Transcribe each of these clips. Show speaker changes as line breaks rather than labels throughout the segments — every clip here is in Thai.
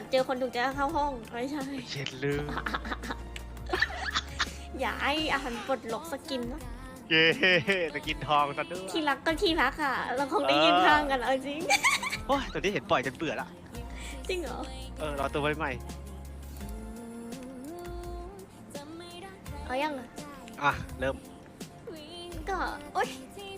เจอคนถูกใจเข้าห้องไม่ใช่
เช็ดลืม
อย่าให้อาหารปลดล็อกสกินนะ
เย้ตะกินทองซะด้วย
ที่รักก็ที่รักอ่ะเราคงได้ยืนข้างกันเอาจริง
โอ้ยตัวนี้เห็นปล่อยจนเบื่อละ
จริงเหรอ
รอตัวไว้ใหม่
เอายังอ่ะ
อ่ะเริ่ม
ก็โอ๊ย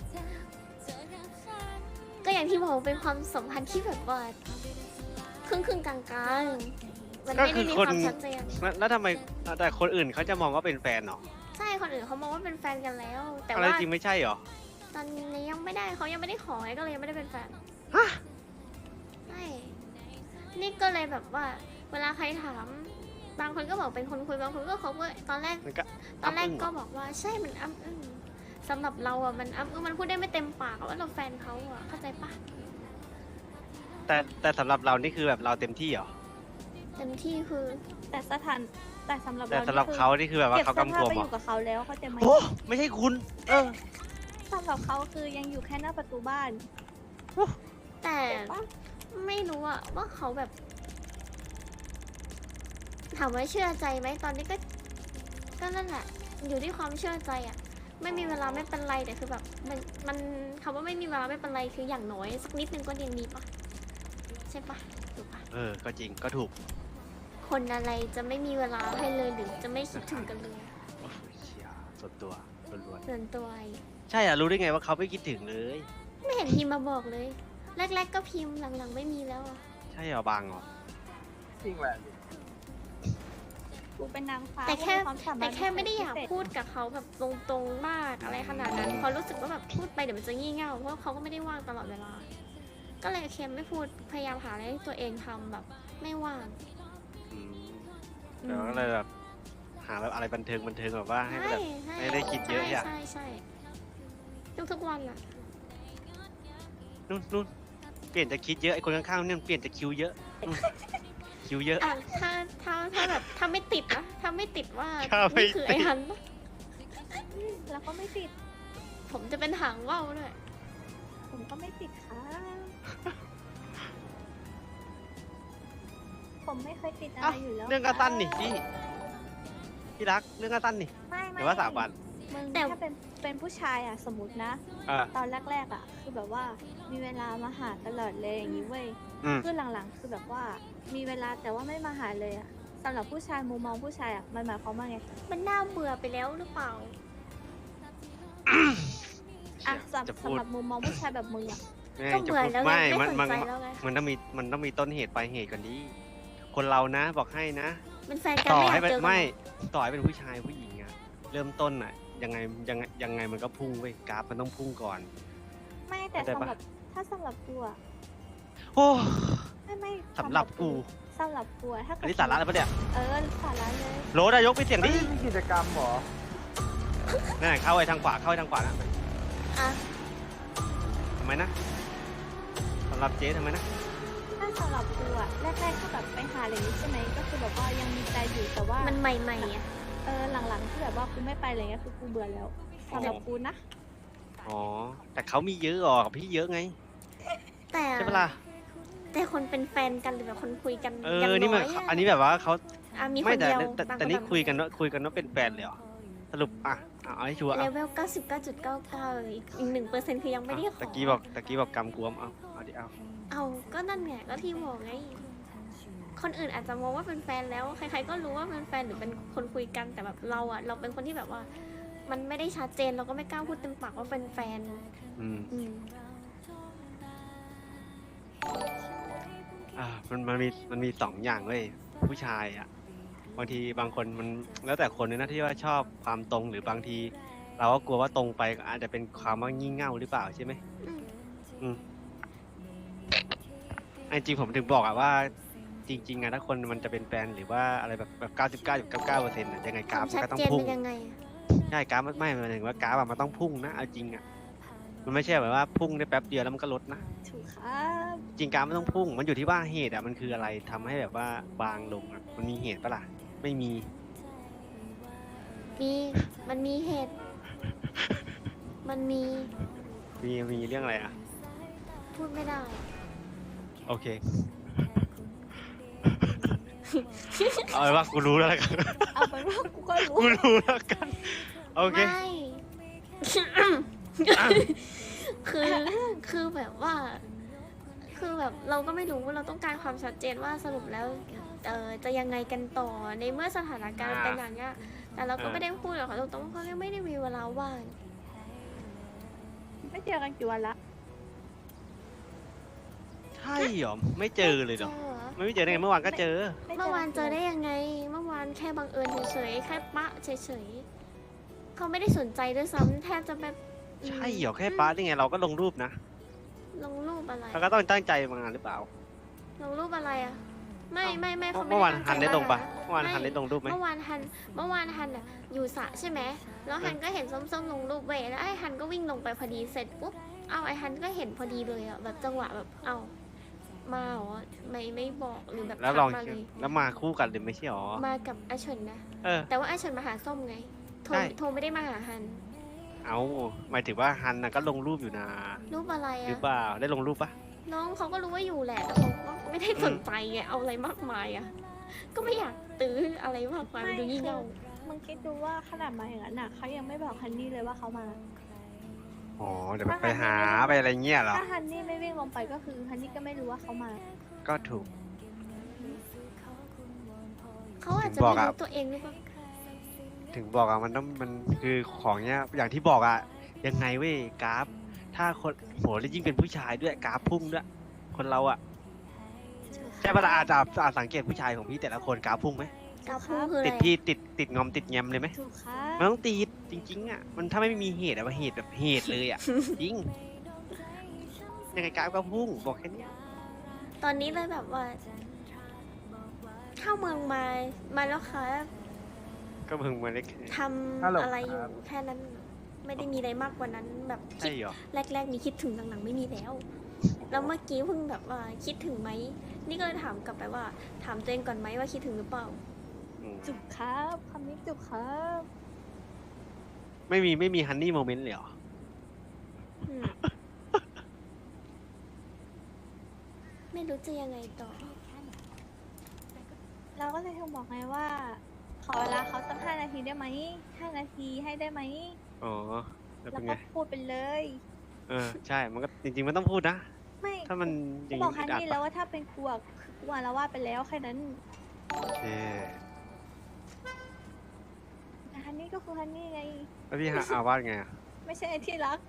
ก็อย่างที่บอกเป็นความสัมพันธ์ที่แบบว่าครึ่งกลางๆมันไม่ได้มีความชัดเจน
แล้วทำไมแต่คนอื่นเขาจะมองว่าเป็นแฟนเหรอ
ใช่คนอื่นเขามองว่าเป็นแฟนกันแล้ว แต่
อะไร
ว่า
จริงไม่ใช่เหรอ
ตอนนี้ยังไม่ได้เขายังไม่ได้ขอไงก็เลยยังไม่ได้เป็นแฟน
ฮะ
ใช่นี่ก็เลยแบบว่า เวลาใครถามบางคนก็บอกเป็นคนคุยบางคนก็เขาก็ตอนแรก
มันก็
ก็บอกว่าใช่มันอ้ำอึ้งสำหรับเราอ่ะมันอ้ำอึ้งมันพูดได้ไม่เต็มปากว่าเราแฟนเขาอ่ะเข้าใจปะ
แต่สำหรับเรานี่คือแบบเราเต็มที่เหรอ
เต็มที่คือ
แต่สำหรับ
แต่
เรา
สำหรับเขานี่คือแบบว่า
เก็บ
เขา
เสื้อก
ำ
ผ้าก
วม
ไป
เห
อ
รอยู่
กับเขาแล้วเขาใจไหม
โอ้ไม่ใช่คุณ
สำหรับเขาคือยังอยู่แค่หน้าประตูบ้าน
แต่
เก็บปะ
ไม่รู้อะว่าเขาแบบ ถามว่าเชื่อใจไหมตอนนี้ก็นั่นแหละ อยู่ที่ความเชื่อใจอะไม่มีเวลาไม่เป็นไรแต่คือแบบมันคำว่าไม่มีเวลาไม่เป็นไรคืออย่างน้อยสักนิดนึงก็ยังมีปะใช่ปะถูกปะ
ก็จริงก็ถูก
คนอะไรจะไม่มีเวลาให้เลยหรือจะไม่คิดถึงกันเลย
โอ้ยเชี่ยส่วนตัวล้วน
ส่วนตัวไอ้
ๆใช่อ่ะรู้ได้ไงว่าเขาไม่คิดถึงเลย
ไม่เห็นพิมพ์มาบอกเลย แรกๆก็พิมพ์หลังๆไม่มีแล้วอะ
ใช่เหรอบางเหรอ
จริงแหละ
กูเป็นนางฟ้า
แต่แค่
กูมีวามสามารถ
แต่แค่ไม่ได้อยาก
พิเศษ
พูดกับเขาแบบตรงๆมากอะไรขนาดนั้นเพราะรู้สึกว่าแบบพูดไปเดี๋ยวมันจะงี่เง่าเพราะว่าเขาก็ไม่ได้ว่างตลอดเวลา ก็เลยเค็มไม่พูดพยายามหาอะไรให้ตัวเองทำแบบ ไม่ว่าง
อืมแต่ว่าก็เลยแบบหาแบบอะไรบันเทิงแบบว่าให้แบบ ไม่ได้คิดเยอะอะ
ใช่ทุกวันอะ
นู่นเปลี่ยนจะคิดเยอะไอ้คนข้างๆเนี่ยเปลี่ยนจะคิวเยอะคิวเยอะ
อ่ะถ้าแบบถ้าไม่ติดนะถ้าไม่ติดว่า
ถ้าไม่
นี่คือไอ้
ติด
ฮันปะ
แล้วก็ไม่ติด
ผมจะเป็นหางว่าวด้วย
ผมก็ไม่ติดค่ะ ผมไม่เคยติดอะไรอยู่แล้ว
เรื่องกระตันนี่พี่รักเรื่องกระตันนี่
ไม่
แต่ว่า3 วัน
มึง
แต่
ถ้าเป็นผู้ชายอ่ะสมมตินะ
อ่า
ตอนแรกๆอ่ะ คือแบบว่ามีเวลามาหาตลอดเลยอย่างนี้เว้ย
อืม
คือหลังๆ คือแบบว่ามีเวลาแต่ว่าไม่มาหาเลยอ่ะสำหรับผู้ชายมุมมองผู้ชายอ่ะมันหมายความว่าไง
มันน่าเบื่อไปแล้วหรือเปล่า
อ่ะ
จะพู
สำ
ด
หรับมุมมองผู้ชายแบบมึงอ่ะ
ก็เบื่อแล้วไง
ไม่
ไม่สน
มัน
ใจแล้วไง
มันต้องมีต้นเหตุปลายเหตุก่อนดิคนเรานะบอกให้นะ
เป็นแฟนกัน
ต่อ
ไม่อยา
ให้
ก
เป็น
เจอกัน
ไม่
หรอ
ต่อให้เป็นผู้ชายผู้หญิงอะเริ่มต้นอะยังไงมันก็พุ่งเว้ยกราฟมันต้องพุ่งก่อน
ไม่แต่
เข้าใจ
สำ
ปะ
หรับถ้าสำหรับกูอ่ะ
โอ้
ไม่
สำหรับกู
สำหรับกูอะถ้า
อั
เกิ
น
ด
นี้สาระอะไรปะเนี่ย
สาระเลย
โรดอะยกไปเสียงดิ
นี่มีกิจกรรมเหรอ
นั่นเข้าไปทางขวานะ
อ่ะ
ทำไมนะสำหรับเจ๊ทำไมนะ
ถ้าสำหรับกูอะแรกๆก็แบบไปหาอะไรอย่างนี้ใช่ไหมก็คือแบบว่ายังมีใจอยู่แต่ว่า
มันใหม่ๆอ่ะ
หลังๆที่แบบว่ากูไม่ไปอะไรเงี้ยคือกูเบื่อแล้วสำหรับกูนะ
อ๋อแต่เขามีเยอะอ่ะพี่เยอะไง
แต่
ใช่ปะล่ะ
แต่คนเป็นแฟนกันหรือแบบคนคุยกัน
เอ
ยัง
อนี่
น้
มัน
อยอะ
อันนี้แบบว่าเขา
อ่ะมีค
ไม่
น
แต่
เดียว
แต่
บาง
แต่นี่
แบบ
คุยกันว่าเป็นแฟนเลยเหรอสรุปเอาให้ชัวร์
เลเวล 99.99อีก1%คือยังไม่ได้ขอ
ตะกี้บอกกำกวมเอาดิเอา
เอาก็นั่นไงก็ที่บอกไง คนอื่นอาจจะมองว่าเป็นแฟนแล้ว ใครๆก็รู้ว่าเป็นแฟนหรือเป็นคนคุยกันแต่แบบเราอะเราเป็นคนที่แบบว่า มันไม่ได้ชัดเจนเราก็ไม่กล้าพูดเต็มปากว่าเป็นแฟน
อืม
อืม
มันมี2 อย่างเว้ยผู้ชายอ่ะบางทีบางคนมันแล้วแต่คนเลยนะที่ว่าชอบความตรงหรือบางที เราก็กลัวว่าตรงไปก็อาจจะเป็นความว่างี่เง่าหรือเปล่าใช่ไหม
อืม
จริงผมถึงบอกอะว่าจริงๆอะถ้าคนมันจะเป็นแฟนหรือว่าอะไรแบบ99.99%อะยังไงกราฟ
ชั
มัน
ด
ก็ต้อง
เจน
พุ่ง
เป็นยังไงอะ
ใช่กราฟไม่หมายถึงว่ากราฟอะมันต้องพุ่งนะเอาจริงอะมันไม่ใช่แบบว่าพุ่งได้แป๊บเดียวแล้วมันก็ลดนะ
ถูกครับ
จริงกราฟมันต้องพุ่ง มันอยู่ที่ว่าเหตุอะมันคืออะไรทำให้แบบว่าบางลงอะมันมีเหตุปะล่ะไม่มี
มันมีเหตุ มันมี
มีเรื่องอะไรอะ
พูดไม่ได้
โอเคเอาเป็นว่ากูรู้แล้วกัน
เอาเป็นว่ากูก็รู้
กูรู้แล้วกัน โอเค
ไม่ คือคือแบบว่า คือแบบเราก็ไม่รู้เราต้องการความชัดเจนว่าสรุปแล้วจะยังไงกันต่อในเมื่อสถานการณ์เป็นอย่างเงี้ยแต่เราก็ไม่ได้พูดหรอกค่ะตรงๆเพราะเราไม่ได้มีเวลาว่าง
ไม่เจอกันกี่วันละ
ใช่เหรอ ไม่เจอเลยเหรอ
เจอ
ไม่เจอได้ไงเมื่อวานก็เจอ
เมื่อวานเจอได้ยังไง เมื่อวานแค่บังเอิญเฉยๆแค่ปะเฉยๆเขาไม่ได้สนใจด้วยซ้ำแทบจะแบบ
ใช่เหรอแค่ป้าได้ไงเราก็ลงรูปนะ
ลงรูปอะไร
เราก็ต้องตั้งใจมาหรือเปล่า
ลงรูปอะไรอ่ะไม่เขาไม่
เมื่อวาน
ได้
ฮันได้ลงปะ
ตั้ใจ
เมื่อวานฮันได้ลงรูปไหม
เมื่อวานฮันอยู่สระใช่ไหมแล้วฮันก็เห็นส้มๆลงรูปเว้ยแล้วไอ้ฮันก็วิ่งลงไปพอดีเสร็จปุ๊บเอาไอ้ฮันก็เห็นพอดีเลยอ่ะแบบจังหวะแบบเอามาเหรอไม่บอกหรือแบบ
แล้วลอง
ทักมาเลย
แล้วมาคู่กันเลยไม่ใช่หรอ
มากับอาเฉินนะ
เออ
แต่ว่าอาเฉินมาหาส้มไงโทร
ใช่
โทรไม่ได้มาหาฮัน
เอาหมายถึงว่าฮันน่ะก็ลงรูปอยู่นะ
รูปอะไร
หรือ
อ่ะ
เปล่า ได้ลงรูปปะ
น้องเขาก็รู้ว่าอยู่แหละแต่เขาก็ไม่ได้สนใจไงเอาอะไรมากมายอ่ะก็ไม่อยากตื้ออะไรมากมายมันดูยิ่งเงา
มึงคิดดูว่าขนาดมาอย่างนั้นน่ะเขายังไม่บอกฮันนี่เลยว่าเขามา
อ๋อ เดี๋ยวไปหาไปอะไรเงี้ยเหรอ
ถ้าฮันนี่ไม่วิ่งลงไปก็คือฮันนี่ก็ไม่รู้ว่าเขามา
ก็ถูก
เขาอาจจะ
บอก
ไม่
อะ
รู้ตัวเองหรือเปล่า
ถึงบอกอะมันต้องมันคือของเนี้ยอย่างที่บอกอะยังไงเว้ยกราฟ ถ้าคนโหแล้วยิ่งเป็นผู้ชายด้วยกราฟพุ่งด้วย คนเราอะใช่ปะล่ะอาจสังเกตผู้ชายของพี่แต่ละคนกราฟพุ่งไหม
กาพูคืออะไร
ติดพี่ติดงอมติดแงมเลยไหม
ถูกค่ะ
มันต้องติดจริงๆอะมันถ้าไม่มีเหตุอะว่าเหตุแบบเหตุเลยอะจริงยังไงกราฟก็พุ่งบอกแค่เนี้ย
ตอนนี้เลยแบบว่า เข้าเมืองมาแล้วค่ะ
ก็เพิ่งมาเล็ก
ทำ
ฮัลโหล
อะไรอยู่
ครับ
แค่นั้น ไม่ได้มีอะไรมากกว่านั้น แบบคิ
ใช่
ด
เหรอ
แรกๆมีคิดถึงหลังๆไม่มีแล้ว แล้วเมื่อกี้เพิ่งแบบว่าคิดถึงไหมนี่ก็เลยถามกลับไปว่า ถามตัวเองก่อนไหมว่าคิดถึงหรือเปล่า
อืม
จุกครับคำนี้จุกครับ
ไม่มีฮันนี่โมเมนต์เลยเหรอ
อืม ไม่รู้จะยังไงต่อ
เราก็เลยโทรบอกไงว่า ขอเวลาเขาสัก5 นาทีได้ไหม5 นาทีให้ได้ไหม
อ๋อ แล้ว
แล้ว
เป็นไง
ก็พูดไปเลย
เออ ใช่ มันก็จริงๆ มันต้องพูดนะ
ไม่
ถ้ามันอ
กู
ย่าง
บอ
นี้
กฮัน
อึดอัด
นี่
ปะ
แล้วว่าถ้าเป็นกูอะคือกูอะละว่าดไปแล้วแค่นั้น
โอเค
แต่ฮันนี่ก็คือฮันนี่ไง
แล้วพี่หาอาวาสไงอะ
ไม่ใช่ไอ้ที่รัก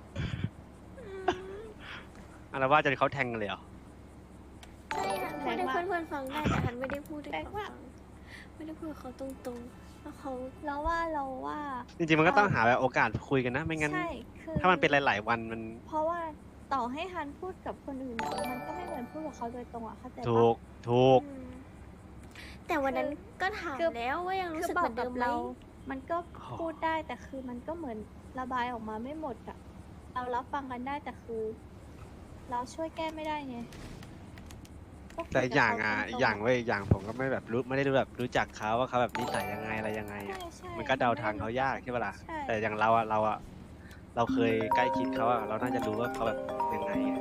อาวาสจนเขาแทงกันเลยเหรอ
ใช่ค่ะพูดให้เพื่อนๆฟังได้แต่ฮันไม่ได้พูดให้
แปลก
เขา
ว่า
ฟังไม่ได้พูดกับเขาตรงๆแล้วเขา
เราว่า
จริงๆ มันก็ต้องหาแบบโอกาสคุยกันนะ ไม่งั้น
ใช่คือ
ถ้ามันเป็นหลายๆ วันมัน
เพราะว่าต่อให้ฮันพูดกับคนอื่นอะมันก็ไม่เหมือนพูดกับเขาโดยตรงอะเข้าใจ
ถู
ปะ
ก ถูก
อืมแต่วันนั้นก็ถาม
คือ
แล้วว่ายังรู้
คือ
สึก
บอ
เหมื
ก
อน
กั
เดิ
บ
มไหม
เรา มันก็
อ๋อ
พูดได้แต่คือมันก็เหมือนระบายออกมาไม่หมดอะเรารับฟังกันได้แต่คือ เราช่วยแก้ไม่ได้ไงก็คุ
แต่
กับ
อย่าง
เข
อ่ะ
ตรงๆ
อย่างเว้ยอย่างผมก็ไม่แบบไม่ได้รู้แบบรู้จักเขาว่าเขาแบบนิสัยยังไงอะไรยังไง
ใช่
อ่ะ
ใช่
มันก็เดาทางเขายากใช่ปะล่ะ
ใช่
แต่อย่างเราเราเคยใกล้ชิดเขาอ่ะ เราน่าจะรู้ว่าเขาแบบยังไงอะ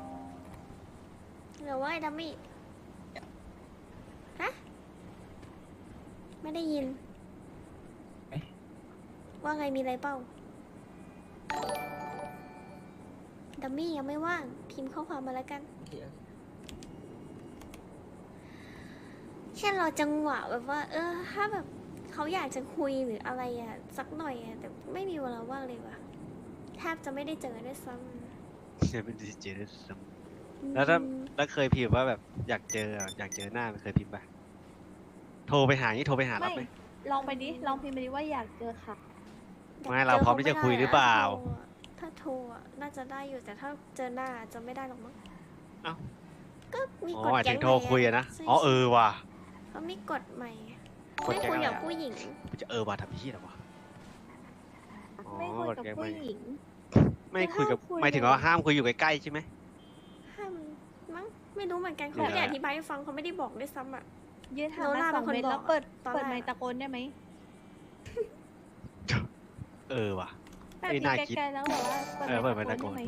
หรือว่าไอ้ดัมมี่ฮะไม่ได้ยิน ว่าไงมีอะไรเปล่าดัมมี่ยังไม่ว่าง พิมพ์ข้อความมาแล้วกัน แค่รอจังหวะแบบว่า ถ้าแบบเขาอยากจะคุยหรืออะไรอ่ะ สักหน่อยอ่ะ แต่ไม่มีเวลาว่างเลยว่ะแทบจะไม่ได้เจอด้วยซ้ำ
เนี่ยเป็นดีเจด้วยซ้ำ
อืม
แล้วเคยพิมพ์ว่าแบบอยากเจอหน้ามันเคยพิมพ์ปะโทรไปหานี่โทรไปหารับไหม
ลองไปดิลองพิมพ์ไปดิว่าอยากเจอค่ะ
ไม่เราพร้อมที่จะคุยหรือเปล่า
ถ้าโทรอะน่าจะได้อยู่แต่ถ้าเจอหน้าจะไม่ได้หรอกมั้ง
เอ้า
ก็มี
อ๋อก
ฎ
หมาย
แก๊
ถึ
ง
งโทรคุยอะนะ
ใช่
อ๋อเออว่ะ
เขามีกฎใหม่
กฎ
ไม่
แก๊ง
คุย
อะไร
กับ
อะ
ผู้หญิง
กูจะว่ะทำพี่เหรอวะ อ๋อ
ไม่คุยกับ
กฎแก๊ง
ผู้
ไม่
หญิง
ไม่คุยกับ
คือห้ามคุย
หมายถึงว่าห้ามคุยอยู่ใกล้ๆใช่ไหม
ห้ามมั้งไม่รู้เหมือนกันเขา
หรือ
ไม่ได้
อะไร
อธิบายให้ฟังเขาไม่ได้บอกด้วยซ้ำอ่ะ
ยืนห่าง
โน
กัน
ล่า
2 เมตร
เป็นคน
แล้ว
บอก
เปิด
ตอนแรก
เปิดไมค์ตะโกนได้ไหม
เออว่ะ
แบบ
เอ้ย
นี้
น่าคิด
ไกลๆแล้วแบบว่า
เออเปิดไมค์ตะโกน
ได้ไหม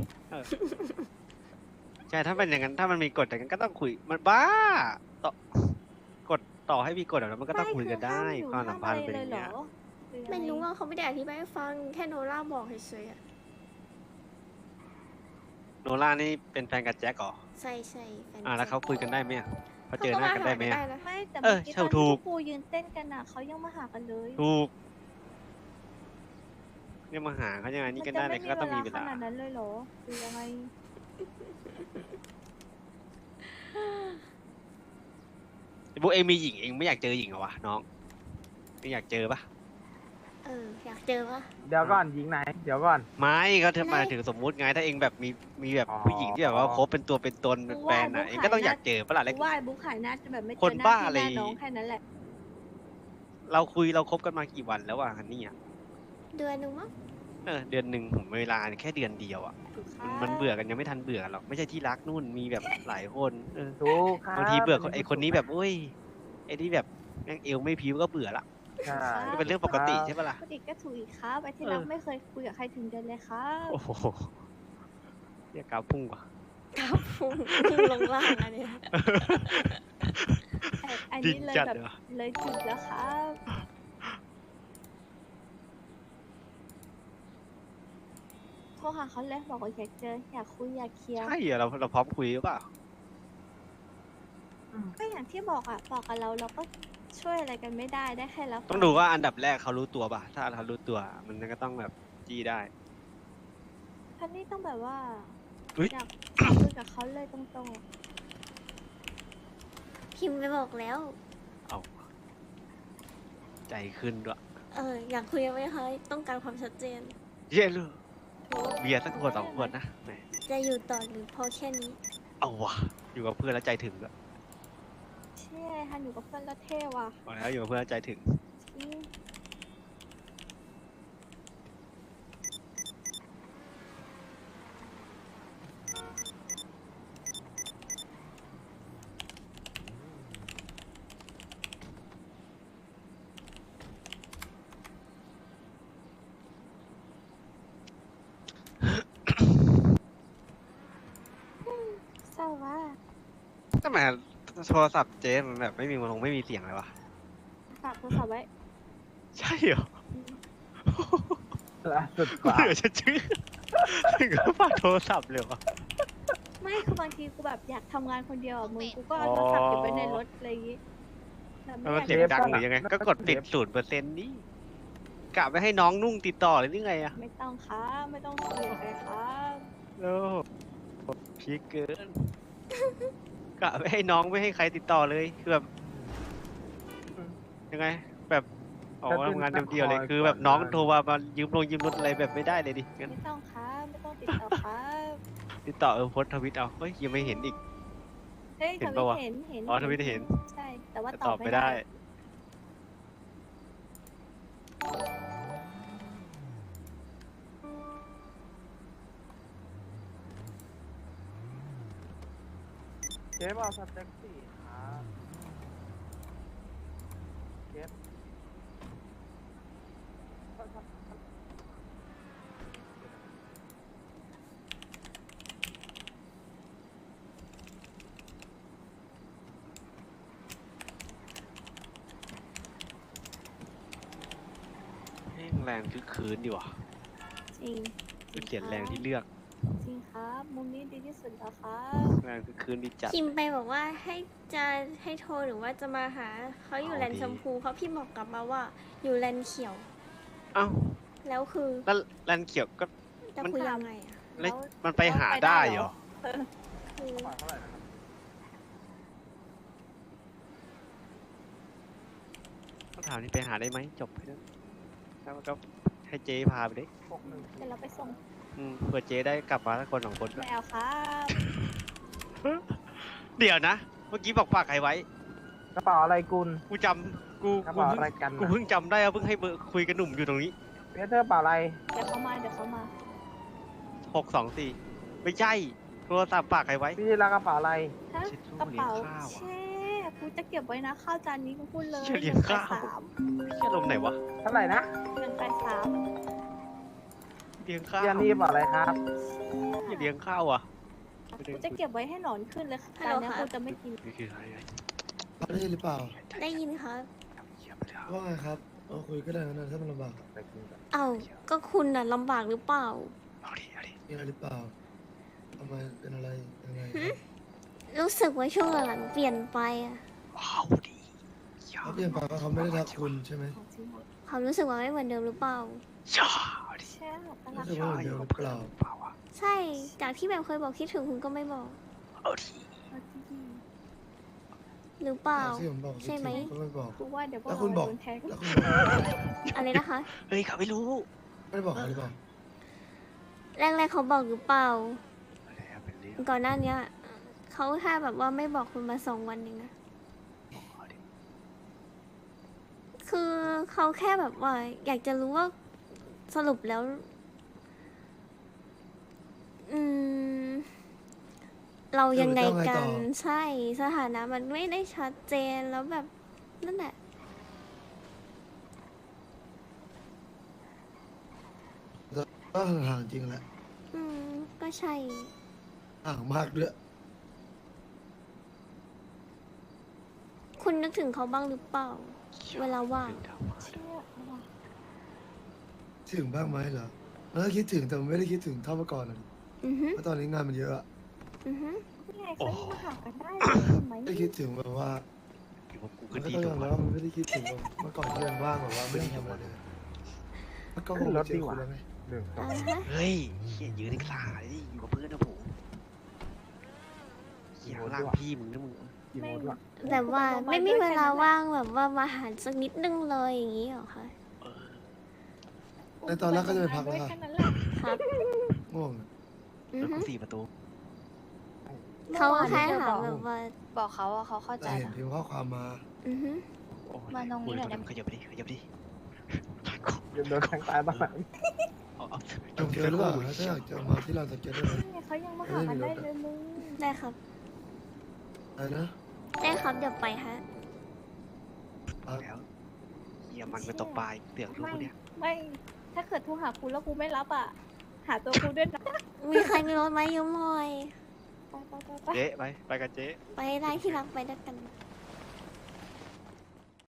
ใช่ถ้าเป็นอย่างนั้นถ้ามันมีกฎอย่างนั้นก็ต้องคุยมันบ้าต่อกฎต่อให้มีกฎแบบนั้นมันก็ต้องคุยกันได้
คือ
ความ
ห้
สัมพันธ์
ห้
เป็นอ
อะไร
ย่าง
เล
เงี้
ย
ย
เหรอหรือยังง
ไม่รู้ว่าเขาไม่ได้อธิบายให้ฟังแค่โนล่าบอกเฉยๆอะ
โนล่านี่เป็นแฟนกับแจ็คเหรอ
ใช่ใช่แฟน
แล้วเขาคุยกันได้ไหมอะเขาเจอห
ก็
น้ากันได้ไหม
ได้
อะ
นะ
ไม่แต่
เอ
เมื่
อ
อกี้
ใช่
ตอน
ถู
ที่
ก
พวกกูยืนเต้นกันอ่ะเขายังมาหากันเลย
ถูกเนี่ยมาหาเขายังไงนี่กันได้
มั
เลย
จะ
ก็ต้องมี
ไม่
เว
ข
ลา
นาดนั้นเลยเหรอหรือยังไง
พวกเองมีหญิงเองไม่อยากเจอหญิงเหรอวะน้องไม่อยากเจอปะ
อยากเจอปะ
เดี๋ยวก่อนหญิงไหน เดี๋ยวก่อน
ไม่เขาจะ
ไม่
มาถึงสมมุติไงถ้าเองแบบมีแบบ
อ๋อ
ผู้หญิงที่แบบว่าคบเป็นตัวเป็นตนเป็นแฟนอ่ะเองก็ต้องอยากเจอปะล่ะแล้ว
กูว่าไอ้บุ๊กขายหน้าจะแบบไม่เจ
ค
อน หน้า
บ้า
พี่
อะไร
หน้าน้องแค่นั้นแหละ
เราคบกันมากี่วันแล้วอ่ะฮันนี่อ่ะ
เดือนหนึงมั้ง
เดือนหนึ่งผมเวลาแค่เดือนเดียวอ่ะมันเบื่อกันยังไม่ทันเบื่อกันหรอกไม่ใช่ที่รักนู่นมีแบบหลายคน
ถูกครับ
บางทีเบื่อไอคนนี้แบบอุ้ยไอที่แบบแม่งเอวไม่พิ้วก็เบื่อละ
ใช่
ก็เป็นเรื่องปกติใช่ปะล่ะ
ก็อีกก็ถูกอีกครับไอ้ที่รักไม่เคยคุยกับใครถึงเดือนเลยครับ
โอ้โหเรียกกราฟพุ่งว่ะ
ครับพุ่งลงล่างอันเนี้ย
อัน
ดิ
นี้
น
เลย
จัด
แบบ
เหรอ
เลยจุดแล้วครับโทรหาเขาเลยบอกว่าอยากเจออยากคุยอยากเคลียร์
ใช่เหรอเราพร้อมคุยหรือเปล่า
ก็อย่างที่บอกอ่ะบอกกับเราก็ช่วยอะไรกันไม่ได้ได้แค่รับฟั
ต้องดูว่าอันดับแรกเขารู้ตัวป่ะถ้าเขารู้ตัวมันก็ต้องแบบจี้ได้
ท่านนี่ต้องแบบว่า
อุ๊ย
อยากคุยกับเขาเลยตรงๆอะ
พิมพ์ไปบอกแล้ว
เอาใจขึ้นด้วย
อยากคุยกันไหมคะต้องการความชัดเจน
เย้เลยเบียร์สักขวดสองขวดนะแหม
จะอยู่ต่อหรือพอแค่นี้
เอาวะอยู่กับเพื่อนแล้วใจถึงด้วย
เช่ฮันอยู่กับเพื่อนแล้วเท่ว่ะ
บอกแล้วอยู่กับเพื่อนแล้วใจถึง
จริง เศร้าว่ะ
ทำไมโทรศัพท์เจ๊มันแบบไม่มีเสียงเลยวะ
ฝากโทรศัพท์ไว้
ใช่เหรอ
ล่าสุดกว่า
เบื่อจะชื่อถึงก็ฝากโทรศัพท์เลยวะ
ไม่คือบางทีกูแบบอยากทำงานคนเดียวอ่ะมึงกูก็เอาโทรศัพท์เก็บไว้ในรถอะไรอย่างงี้แบบไม่
มัน
อยาก
เสียงดังหรือยังไง ก็กดปิด0%นี่กะไม่ให้น้องนุ่งติดต่อเลยหรือไงอะ
ไม่ต้องครับไม่ต้องคุยกับใครครับ
โอ้พีคเกิน กะไม่ให้น้องไม่ให้ใครติดต่อเลยคือแบบยังไง แบบออกมาทำงานเดียวๆเลยคือแบบน้องโทรมายืมรถอะไรแบบไม่ได้เลยดิงั้น
ไม่ต้องครับไม่ต้องติดต่อครับ
ติดต่อโพสต์ทวิตเอาเฮ้ยยังไม่เห็นอีก
เฮ้ย
เห็
ท
น
วิ
ปะ
ต
วะ
เห็น
อ๋อทวิตเห็น
ใช่ แต่ว่า
แต่
ต
ต
อ
อ
บบ ไม่
ไม่
ได้
ได้
เจ๊บอกสเต็กสี่ครับเจ๊
แรงคือคืนดีว่ะ
จริง
คือเขียนแรงที่เลือก
จริงครับ มุมนี้ดีที่สุดแล้วครับ
แรงคือคืนดีจัด
พิมพ์ไปบอกว่าให้โทรหรือว่าจะมาหาเขาอยู่
เอา
แลนด์
ดี
ชมพูเขาพี่บอกกลับมาว่าอยู่แลนด์เขียว
เอ้า
แล้วคือ
แล้วแลนเขียวก็
จะ
มัน
คุยยังไงอะ
แล้วมันไปหาได้เหรอ
คือ
เท่าไหร่นะครับ
ต้องถามนี่ไปหาได้ไหมจบแค่นั้นแล้วก็ให้เจ๊พาไปดิ
เดี๋ยวเราไปส่ง
เผื่อเจ๊ได้กลับมาสักคนสองคนก็
ไม่เอาครับ
เดี๋ยวนะ เมื่อกี้บอกฝากใครไว้
กระเป๋าอะไรกุล
กูจำกู
กระ
กู
เป๋า
เพิ่ง
อะไรกัน
กูเพิ่งจำได้ว่าเพิ่งให้เบอร์คุยกับหนุ่มอยู่ตรงนี้
เปียเตอร์กระเป๋าอะไร
เดี๋ยวเขามาเดี๋ยวเขามา
624ไม่ใช่โทรศัพท์ฝากใครไว้
พี่รักกระเป๋าอะไร
ฮะ
เช็ดตู้
กระเป๋า
เลี้ยงข้าวอะ
เช่กูจะเก็บไว้นะข้าวจานนี้กูพูดเลย
เชี่ยเลี้ยงข้าว
183
เชี่ยลมณ์ไหนวะ
เท่าไหร่นะ
183
เลี้ยงข้าว
พี่อันนี้กระเป๋าอะไรครับ
เลี้ยงข้าวอ่ะ
กูจะเก็บไว้ให้หนอนขึ้นเลยจานเนี้ยกูจะไม่กิน
นี่คืออะไร
ได้ยินหรือเปล่า
ได้ยินครับ
ว่าไงครับเอาคุยก็ได้นะถ้ามันลำบากอะ
เอ้าก็คุณน่ะลำบากหรือเปล่า
มีอะไรหรือเปล่าทำไมเป็นอะไรยังไง
หึ รู้สึกว่าช่วงหลังๆเปลี่ยนไปอะ
เขาเปลี่ยนไปเพราะเขาไม่ได้รักคุณใช่ไหม
ความรู้สึกว่าไม่เหมือนเดิมหรือเปล่า
แช่ตลา
รู้
ด
สึกว่าเหมือนเดิมหรือเปล่า
ใช่ จากที่แบบเคยบอกคิดถึงคุณก็ไม่บอก หรือเปล่า
ที่ผมบอก
ใช่ไหม
ก็ไม่บอก
กูว่าเดี๋ยวพวก
แล้ว
เรา
คุณบอก
โดนแทง
แล้วคุณบอก
อะไรนะคะ
เฮ้ยเขาไม่รู้
ไม่ได้บอกเขาหรือเปล่า
แรกๆเขาบอกหรือเปล่า
อะไรอะเป็นเรื่อง
ก่อนหน้าเนี้ยเขาแค่แบบว่าไม่บอกคุณมา2 วันเองนะ คือเขาแค่แบบว่า อยากจะรู้ว่าสรุปแล้ว อืม เรายังไงกัน ใช่ สถานะมันไม่ได้ชัดเจนแล้วแบบ นั่นแหละ
ก็ห่างๆจริงแหละ
อืม ก็ใช่
ห่างมากด้วย
คุณนึกถึงเขาบ้างหรือเปล่า เวลาว่าง
เชื่อว่ะ
ถึงบ้างไหมเหรอแล้วคิดถึงแต่ไม่ได้คิดถึงเท่าเมื่อก่อนอะ
อือฮึ
เพราะตอนนี้งานมันเยอะอะ
อือฮึ
นี่ไงเขายังมาหากันได้เลยเห็นไหม
ไม่ได้คิดถึงแบบว่า
อยู่กับกู
มั
ก็
นก็
ดี
ต้อง
ตั
ยว อมรับว่ามันไม่ได้คิดถึงแบบเมื่อก่อนที่ยังว่างแบบว่าไม่ได้ทำอะไรเลยแล้วก็คงเจอคุณแล้วไง
อ่าฮะ
เฮ้ยเฮียยืนในสายดิอยู่กับเพื่อนนะผมเฮียร่างพี่มึงนะมึง
ไม่
แบบว่าไม่มีเวลาว่างแบบว่ามาหาสักนิดนึงเลยอย่างนี้เหรอคะ
ในตอนแรกก็จะไปพัก
ด้
แล้ว วย ค่ะ
แค่นั้นแหละ
ครับ
ง่วงอะ
อือ
แล้ว
ฮึ
ก็4 ประตู
เขาแค่ถามแบบว่า
บอกเขาว่าเขาเข้าใจ
แต่เห็น
นะ
พิมพ์ข้อความมา
อือฮึ
โอ้ย
มาตรงนี้หน่อยได้ไหม
ขยับไปดิขยับไปดิ
โดนแทงตายบ้าง
เอา
จงเจอหรือเปล่าถ้าอยากจะมาที่เราจะเจอได้ไหม
นี่ไงเขายังมาหากันได้เลยมึง
ได้ครับ
อะไรนะ
ได้ครับเดี๋ยวไปฮะ
แล้วเฮียมันไปตกปลาอีกเตือกลูกเนี่ย
ไม่ ถ้าเกิดโทรหากูแล้วกูไม่รับอ่ะ หาตัวกูด้วยนะ
มีใครมีรถไหมยืมหน่อย
ไป
เจ๊ไปกันเจ๊
ไปได้ที่รักไปด้วยกัน
ไ